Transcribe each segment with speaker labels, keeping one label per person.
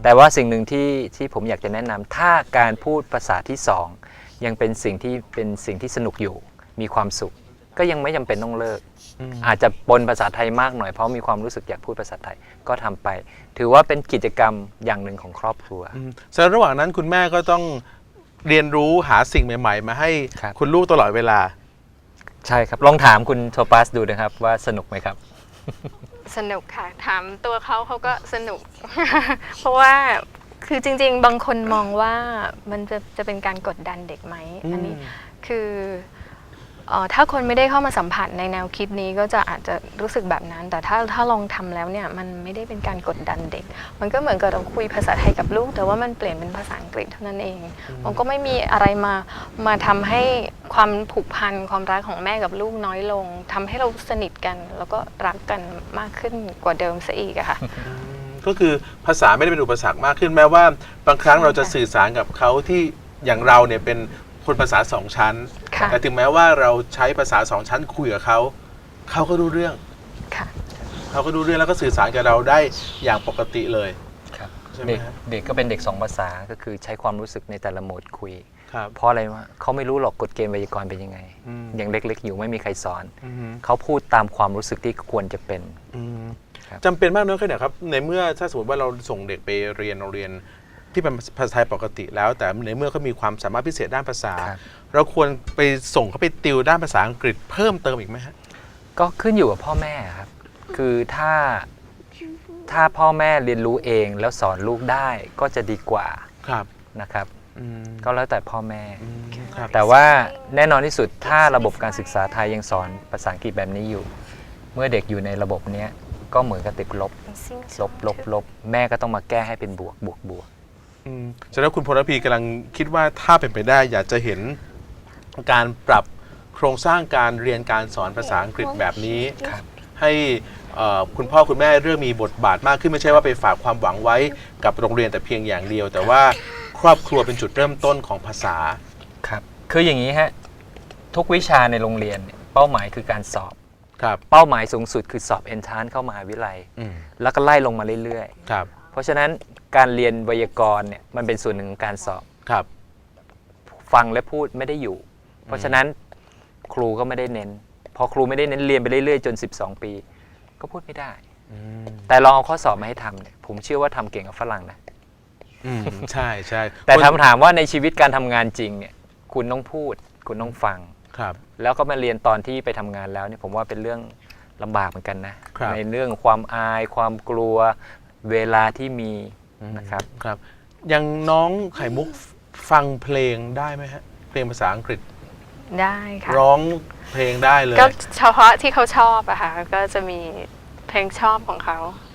Speaker 1: แต่ว่าสิ่งหนึ่งที่ผมอยากจะแนะนำถ้าการพูดภาษาที่สองยังเป็นสิ่งที่สนุกอยู่มีความสุขก็ยังไม่จำเป็นต้องเลิกอาจจะปนภาษาไทยมากหน่อยเพราะมีความรู้สึกอยากพูดภาษาไทยก็ทำไปถือว่าเป็นกิจกรรมอย่างหนึ่งของครอบครัว
Speaker 2: แสดงระหว่างนั้นคุณแม่ก็ต้องเรียนรู้หาสิ่งใหม่ๆมาให้คุณลูกตลอดเวลา
Speaker 1: ใช่ครับลองถามคุณโทปัสดูนะครับว่าสนุกไหมครับ
Speaker 3: สนุกค่ะถามตัวเขาก็สนุก เพราะว่าคือจริงๆบางคนมองว่ามันจะเป็นการกดดันเด็กไหมอันนี้คือถ้าคนไม่ได้เข้ามาสัมผัสในแนวคิดนี้ก็จะอาจจะรู้สึกแบบนั้นแต่ถ้าลองทำแล้วเนี่ยมันไม่ได้เป็นการกดดันเด็กมันก็เหมือนกับเราคุยภาษาไทยกับลูกแต่ว่ามันเปลี่ยนเป็นภาษาอังกฤษเท่านั้นเองมันก็ไม่มีอะไรมาทำให้ความผูกพันความรักของแม่กับลูกน้อยลงทำให้เราสนิทกันแล้วก็รักกันมากขึ้นกว่าเดิมซะอีกอะค่ะ
Speaker 2: ก็คือภาษาไม่ได้เป็นอุปสรรคมากขึ้นแม้ว่าบางครั้งเราจะสื่อสารกับเขาที่อย่างเราเนี่ยเป็นคนภาษาสองชั้นแต่ถึงแม้ว่าเราใช้ภาษาสองชั้นคุยกับเขาก็รู้เรื่องเขาก็รู้เรื่องแล้วก็สื่อสารกับเราได้อย่างปกติเลย
Speaker 1: ใช่ไหมเด็กก็เป็นเด็ก2 ภาษาก็คือใช้ความรู้สึกในแต่ละโหมดคุยเพราะอะไรวะเขาไม่รู้หรอกกฎเกณฑ์ไวยากรณ์เป็นยังไงอย่างเล็กๆอยู่ไม่มีใครสอนเขาพูดตามความรู้สึกที่ควรจะเป็น
Speaker 2: จำเป็นมากน้อยแค่ไหนครับในเมื่อถ้าสมมติว่าเราส่งเด็กไปเรียนโรงเรียนที่เป็นภาษาไทยปกติแล้วแต่ในเมื่อเขามีความสามารถพิเศษด้านภาษาเราควรไปส่งเขาไปติวด้านภาษาอังกฤษเพิ่มเติมอีกไหมฮะ
Speaker 1: ก็ขึ้นอยู่กับพ่อแม่ครับคือถ้าพ่อแม่เรียนรู้เองแล้วสอนลูกได้ก็จะดีกว่านะครับก็แล้วแต่พ่อแม่แต่ว่าแน่นอนที่สุดถ้าระบบการศึกษาไทยยังสอนภาษาอังกฤษแบบนี้อยู่เมื่อเด็กอยู่ในระบบนี้ก็เหมือนกับติดลบแม่ก็ต้องมาแก้ให้เป็นบวก
Speaker 2: แสดงว่าคุณพลพีกำลังคิดว่าถ้าเป็นไปได้อยากจะเห็นการปรับโครงสร้างการเรียนการสอนภาษาอังกฤษแบบนี้ให้คุณพ่อคุณแม่เริ่มมีบทบาทมากขึ้นไม่ใช่ว่าไปฝากความหวังไว้กับโรงเรียนแต่เพียงอย่างเดียวแต่ว่าครอบครัวเป็นจุดเริ่มต้นของภาษา
Speaker 1: ครับคืออย่างนี้ฮะทุกวิชาในโรงเรียนเป้าหมายคือการสอบเป้าหมายสูงสุดคือสอบ Entrance เข้ามหาวิทยาลัยแล้วก็ไล่ลงมาเรื่อยๆเพราะฉะนั้นการเรียนไวยากรณ์เนี่ยมันเป็นส่วนหนึ่งของการสอบฟังและพูดไม่ได้อยู่เพราะฉะนั้นครูก็ไม่ได้เน้นพอครูไม่ได้เน้นเรียนไปเรื่อยๆจน12 ปีก็พูดไม่ได้แต่ลองเอาข้อสอบมาให้ทำเนี่ยผมเชื่อว่าทำเก่งกับฝรั่งนะ
Speaker 2: ใช่ใช่
Speaker 1: แต่ถามว่าในชีวิตการทำงานจริงเนี่ยคุณต้องพูดคุณต้องฟังแล้วก็มาเรียนตอนที่ไปทำงานแล้วเนี่ยผมว่าเป็นเรื่องลำบากเหมือนกันนะในเรื่องความอายความกลัวเวลาที่มีนะครับ
Speaker 2: ยังน้องไข่มุกฟังเพลงได้ไหมฮะเพลงภาษาอังกฤษ
Speaker 3: ได้ค่ะ
Speaker 2: ร้องเพลงได้เลย
Speaker 3: ก็เฉพาะที่เขาชอบอะค่ะก็จะมีเพลงชอบของเขา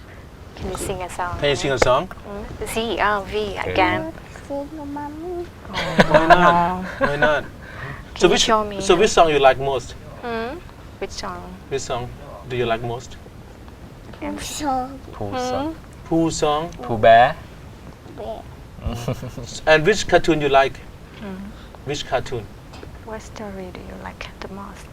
Speaker 3: Can you sing a song
Speaker 2: Can you sing a song
Speaker 3: C R V again
Speaker 2: Why not So which song you like most
Speaker 3: Which
Speaker 2: song do you like most
Speaker 1: Pooh song Pooh Bear
Speaker 2: And which cartoon you like Which cartoon
Speaker 3: What story do you like the most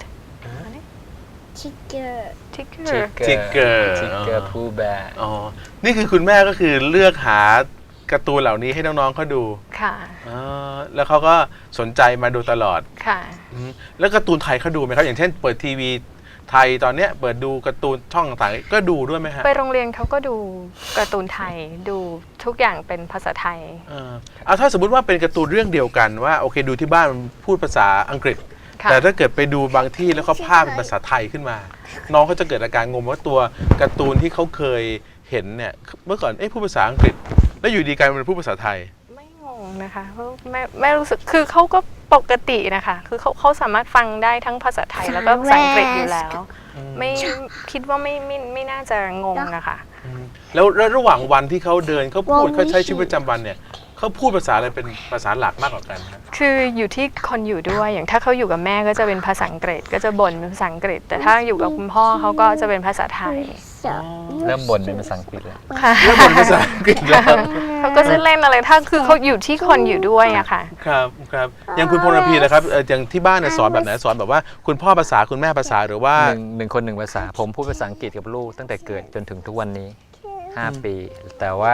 Speaker 1: Tigger Pooh Bear
Speaker 2: นี่คือคุณแม่ก็คือเลือกหาการ์ตูนเหล่านี้ให้น้องๆเขาดู
Speaker 3: ค่ะ
Speaker 2: แล้วเขาก็สนใจมาดูตลอด
Speaker 3: ค่ะ
Speaker 2: แล้วการ์ตูนไทยเขาดูไหมครับอย่างเช่นเปิดทีวีไทยตอนเนี้ยเปิดดูการ์ตูนช่องต่างๆก็ดูด้วยไหมฮะ
Speaker 3: ไปโรงเรียนเขาก็ดูการ์ตูนไทยดูทุกอย่างเป็นภาษาไทย
Speaker 2: ถ้าสมมติว่าเป็นการ์ตูนเรื่องเดียวกันว่าโอเคดูที่บ้านพูดภาษาอังกฤษแต่ถ้าเกิดไปดูบางที่แล้วเขาพากย์เป็นภาษาไทยขึ้นมาน้องเขาจะเกิดอาการงงว่าตัวการ์ตูนที่เขาเคยเห็นเนี่ยเมื่อก่อนพูดภาษาอังกฤษแล้วอยู่ดีกลายเป็นพูดภาษาไทย
Speaker 3: ไม่งงนะคะไม่รู้สึกคือเขาก็ปกตินะคะคือเขาสามารถฟังได้ทั้งภาษาไทยแล้วก็ภาษาอังกฤษอยู่แล้วไม่คิดว่าไม่น่าจะงงนะคะ
Speaker 2: แล้วระหว่างวันที่เขาเดินเขาพูดเขาใช้ชีวิตประจำวันเนี่ยเขาพูดภาษาอะไรเป็นภาษาหลักมากกว่ากัน
Speaker 3: คืออยู่ที่คนอยู่ด้วยอย่างถ้าเขาอยู่กับแม่ก็จะเป็นภาษาอังกฤษก็จะบ่นเป็นภาษาอังกฤษแต่ถ้าอยู่กับคุณพ่อเขาก็จะเป็นภาษาไทย
Speaker 1: เริ่มบ่นเป็นภาษาอังกฤษแล้ว
Speaker 2: เริ่มบ่นภาษาอังกฤษแล้ว
Speaker 3: เขาก็จะเล่นอะไรถ้าคือเขาอยู่ที่คนอยู่ด้วยอะค่ะ
Speaker 2: ครับอย่างคุณพลพีนะครับอย่างที่บ้านสอนแบบไหนสอนแบบว่าคุณพ่อภาษาคุณแม่ภาษาหรือว่า
Speaker 1: หนึ่งคนหนึ่งภาษาผมพูดภาษาอังกฤษกับลูกตั้งแต่เกิดจนถึงทุกวันนี้5 ปีแต่ว่า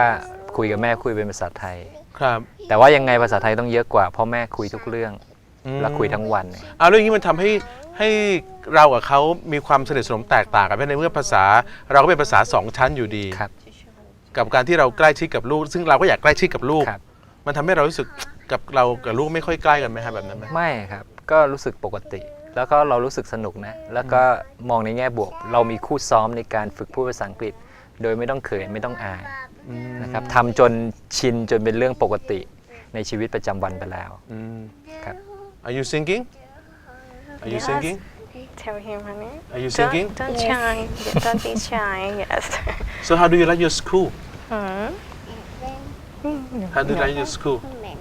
Speaker 1: คุยกับแม่คุยเป็นภาษาไทย
Speaker 2: ครับ
Speaker 1: แต่ว่ายังไงภาษาไทยต้องเยอะกว่าเพราะแม่คุยทุกเรื่องและคุยทั้งวันเนี่ย
Speaker 2: เอาเรื่องนี้มันทำให้เรากับเขามีความสนิทสนมแตกต่างกันในเมื่อภาษาเราก็เป็นภาษา2 ชั้นอยู่ดี
Speaker 1: ครับ
Speaker 2: กับการที่เราใกล้ชิดกับลูก ซึ่งเราก็อยากใกล้ชิดกับลูก
Speaker 1: ครับ
Speaker 2: มันทำให้เรารู้สึกกับเรากับลูกไม่ค่อยใกล้กันไหมครับแบบนั้นไหม
Speaker 1: ไม่ครับก็รู้สึกปกติ แล้วก็เรารู้สึกสนุกนะแล้วก็มองในแง่บวก เรามีคู่ซ้อมในการฝึกพูดภาษาอังกฤษ โดยไม่ต้องเขินไม่ต้องอายนะครับทำจนชินจนเป็นเรื่องปกติในชีวิตประจำวันไปแล้วครับ
Speaker 2: Are you singing Are you
Speaker 3: Yes.
Speaker 2: singing
Speaker 3: Tell him, honey.
Speaker 2: Are you singing
Speaker 3: Don't shy. Don't be shy. Yes.
Speaker 2: So how do you like your school
Speaker 3: Hmm?
Speaker 2: How do you like your school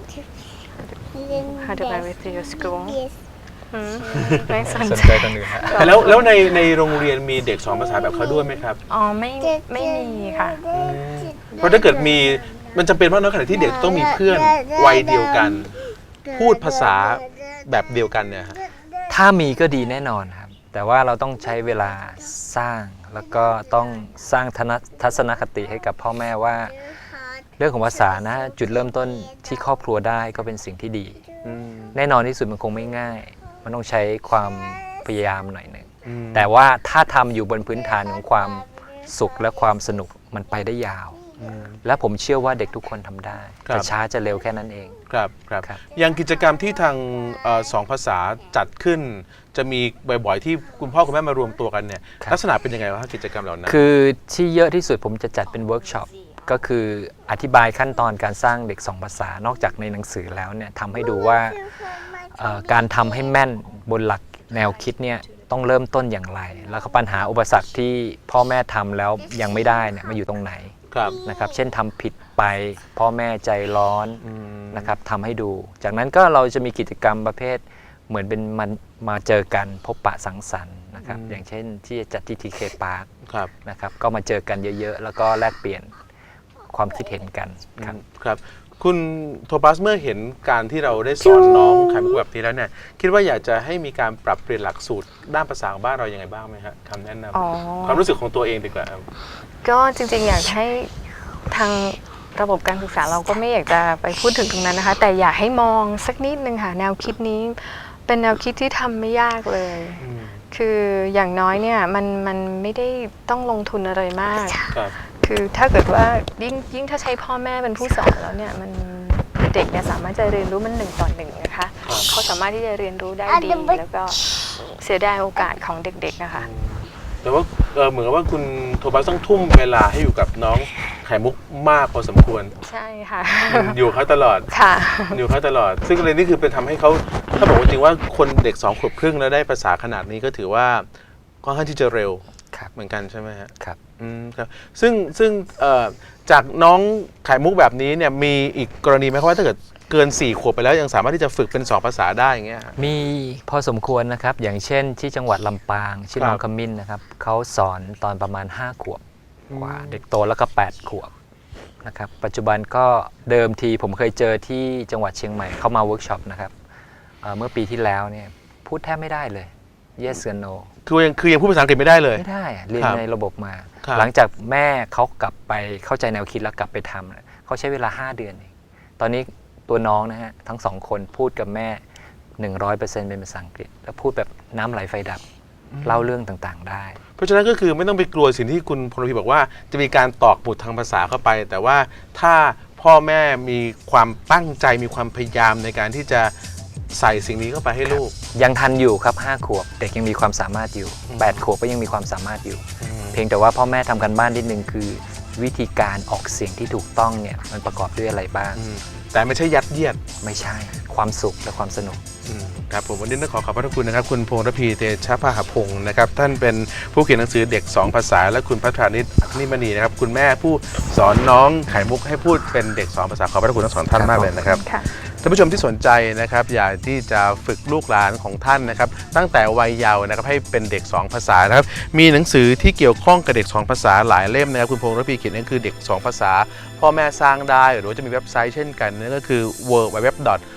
Speaker 3: How do I with your school? ไม่สน
Speaker 1: สน
Speaker 3: ใจ
Speaker 1: ใจคนอื่นฮะ
Speaker 2: แล้วในโรงเรียนมีเด็ก2 ภาษาแบบเขาด้วยไหมครับ
Speaker 3: อ๋อไม่มีค่ะ
Speaker 2: เพราะถ้าเกิดมีมันจำเป็นมากน้อยขนาดที่เด็กต้องมีเพื่อนวัยเดียวกัน พูดภาษาแบบเดียวกันเนี่ยฮะ
Speaker 1: ถ้ามีก็ดีแน่นอนครับ แต่ว่าเราต้องใช้เวลาสร้างแล้วก็ต้องสร้างทัศนคติให้กับพ่อแม่ว่า เรื่องของภาษานะจุดเริ่มต้นที่ครอบครัวได้ก็เป็นสิ่งที่ดี แน่นอนที่สุดมันคงไม่ง่าย มันต้องใช้ความพยายามหน่อยหนึ่งแต่ว่าถ้าทำอยู่บนพื้นฐานของความสุขและความสนุกมันไปได้ยาว และผมเชื่อว่าเด็กทุกคนทำได้
Speaker 2: ครับ
Speaker 1: จะช้าจะเร็วแค่นั้นเอง
Speaker 2: ครับครับ
Speaker 1: ครับ
Speaker 2: อย่างกิจกรรมที่ทาง2 ภาษาจัดขึ้น จะมีบ่อยๆที่คุณพ่อคุณแม่มารวมตัวกันเนี่ยลักษณะเป็นยังไงวะกิจกรรมเหล่านั้น
Speaker 1: คือที่เยอะที่สุดผมจะจัดเป็นเวิร์กช็อปก็คืออธิบายขั้นตอนการสร้างเด็ก2 ภาษานอกจากในหนังสือแล้วเนี่ยทำให้ดูว่าการทำให้แม่นบนหลักแนวคิดเนี่ยต้องเริ่มต้นอย่างไร แล้วก็ปัญหาอุปสรรคที่พ่อแม่ทำแล้วยังไม่ได้เนี่ยมาอยู่ตรงไหน
Speaker 2: ครับ
Speaker 1: นะครับเช่นทำผิดไปพ่อแม่ใจร้อนนะครับทำให้ดู จากนั้นก็เราจะมีกิจกรรมประเภทเหมือนเป็นมาเจอกันพบปะสังสรรค์นะครับอย่างเช่นที่จัดที่ทีเคพาร์ค
Speaker 2: ครับ
Speaker 1: นะครับก็มาเจอกันเยอะๆ แล้วก็แลกเปลี่ยนความคิดเห็นกันครับ
Speaker 2: ครับคุณโทปัสเมื่อเห็นการที่เราได้สอนน้องไข่มุกแบบนี้แล้วเนี่ยคิดว่าอยากจะให้มีการปรับเปลี่ยนหลักสูตรด้านภาษาของบ้านเรายังไงบ้างไหมครับคำแนะน
Speaker 3: อ๋อ
Speaker 2: ำความรู้สึกของตัวเองดีกว่าครับ
Speaker 3: ก็จริงๆอยากให้ทางระบบการศึกษาเราก็ไม่อยากจะไปพูดถึงตรงนั้นนะคะ แต่อยากให้มองสักนิดนึงค่ะแนวคิดนี้เป็นแนวคิดที่ทำไม่ยากเลย คืออย่างน้อยเนี่ยมันไม่ได้ต้องลงทุนอะไรมาก
Speaker 2: ครับ
Speaker 3: คือถ้าเกิดว่ายิ่งถ้าใช้พ่อแม่เป็นผู้สอนแล้วเนี่ยมันเด็กเนี่ยสามารถจะเรียนรู้มัน1 ต่อ 1นะคะเขาสามารถที่จะเรียนรู้ได้ดีแล้วก็เสียดายโอกาสของเด็กๆนะคะ
Speaker 2: แต่ว่าเหมือนกับว่าคุณโทปัสต้องทุ่มเวลาให้อยู่กับน้องไข่มุกมากพอสมควร
Speaker 3: ใช่ค่ะ
Speaker 2: อยู่เขาตลอด
Speaker 3: ค่ะ
Speaker 2: อยู่เขาตลอด ซึ่งเลยนี่คือเป็นทำให้เขาถ้าบอกว่าจริงว่าคนเด็ก2 ขวบครึ่งแล้วได้ภาษาขนาดนี้ก็ถือว่าค่อนข้างที่จะเร็ว
Speaker 1: ครับ
Speaker 2: เหมือนกันใช่ไหมฮะ
Speaker 1: ครับ
Speaker 2: ครับซึ่งจากน้องไข่มุกแบบนี้เนี่ยมีอีกกรณีไหมครับว่าถ้าเกิดเกิน4 ขวบไปแล้วยังสามารถที่จะฝึกเป็น2 ภาษาได้อย่างเงี้ยฮะ
Speaker 1: มีพอสมควรนะครับอย่างเช่นที่จังหวัดลำปางชื่อน้องขมิ้นนะครับเขาสอนตอนประมาณ5 ขวบกว่าเด็กโตแล้วก็8 ขวบนะครับปัจจุบันก็เดิมทีผมเคยเจอที่จังหวัดเชียงใหม่เข้ามาเวิร์กช็อปนะครับเมื่อปีที่แล้วเนี่ยพูดแทบไม่ได้เลย yes or no
Speaker 2: คือยังพูดภาษาอังกฤษไม่ได้เลย
Speaker 1: ไม่ได้อะเรียน
Speaker 2: ครับ
Speaker 1: ในระบบมา
Speaker 2: ครับ
Speaker 1: หลังจากแม่เขากลับไปเข้าใจแนวคิดแล้วกลับไปทำเนี่ยเขาใช้เวลา5 เดือนเองตอนนี้ตัวน้องนะฮะทั้ง2 คนพูดกับแม่ 100% เป็นภาษาอังกฤษ แล้วพูดแบบน้ำไหลไฟดับเล่าเรื่องต่างๆได้
Speaker 2: เพราะฉะนั้นก็คือไม่ต้องไปกลัวสิ่งที่คุณพลพีบอกว่าจะมีการตอกหมุดทางภาษาเข้าไป แต่ว่าถ้าพ่อแม่มีความตั้งใจมีความพยายามในการที่จะใส่สิ่งนี้เข้าไปให้ลูก
Speaker 1: ยังทันอยู่ครับ5 ขวบเด็กยังมีความสามารถอยู่8 ขวบก็ยังมีความสามารถอยู่ เพียงแต่ว่าพ่อแม่ทำกันบ้านนิดนึงคือ วิธีการออกเสียงที่ถูกต้องเนี่ยมันประกอบด้วยอะไรบ้าง
Speaker 2: แต่ไม่ใช่ยัดเยียด
Speaker 1: ไม่ใช่ความสุขและความสนุก
Speaker 2: ครับผมวันนี้ต้องขอบพระคุณนะครับคุณพงษ์ระพีเตชะพหพงศ์นะครับท่านเป็นผู้เขียนหนังสือเด็ก2 ภาษาและคุณพัฒนิตอัคนิมณีนะครับคุณแม่ผู้สอนน้องไข่มุกให้พูดเป็นเด็ก2 ภาษาขอบพระคุณทั้งสองท่านมากเลยนะครับ
Speaker 3: ค่ะ
Speaker 2: ท่านผู้ชมที่สนใจนะครับอยากที่จะฝึกลูกหลานของท่านนะครับตั้งแต่วัยเยาว์นะครับให้เป็นเด็ก2 ภาษานะครับมีหนังสือที่เกี่ยวข้องกับเด็ก2 ภาษาหลายเล่มนะครับคุณพงษ์ระพีเขียนนั่นคือเด็ก2 ภาษาพ่อแม่สร้างได้หรือว่าจะมีเว็บไซต์เช่นกันนั่นก็คือ www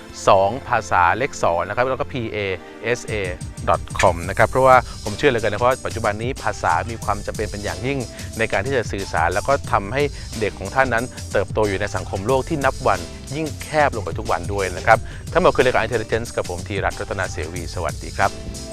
Speaker 2: 2ภาษาเลข2นะครับแล้วก็ PASA.com นะครับเพราะว่าผมเชื่อเลยกันนะเพราะว่าปัจจุบันนี้ภาษามีความจำเป็นเป็นอย่างยิ่งในการที่จะสื่อสารแล้วก็ทำให้เด็กของท่านนั้นเติบโตอยู่ในสังคมโลกที่นับวันยิ่งแคบลงไปทุกวันด้วยนะครับทั้งหมดคือรายการ Intelligence กับผมธีรัตน์ รัตนเสวีสวัสดีครับ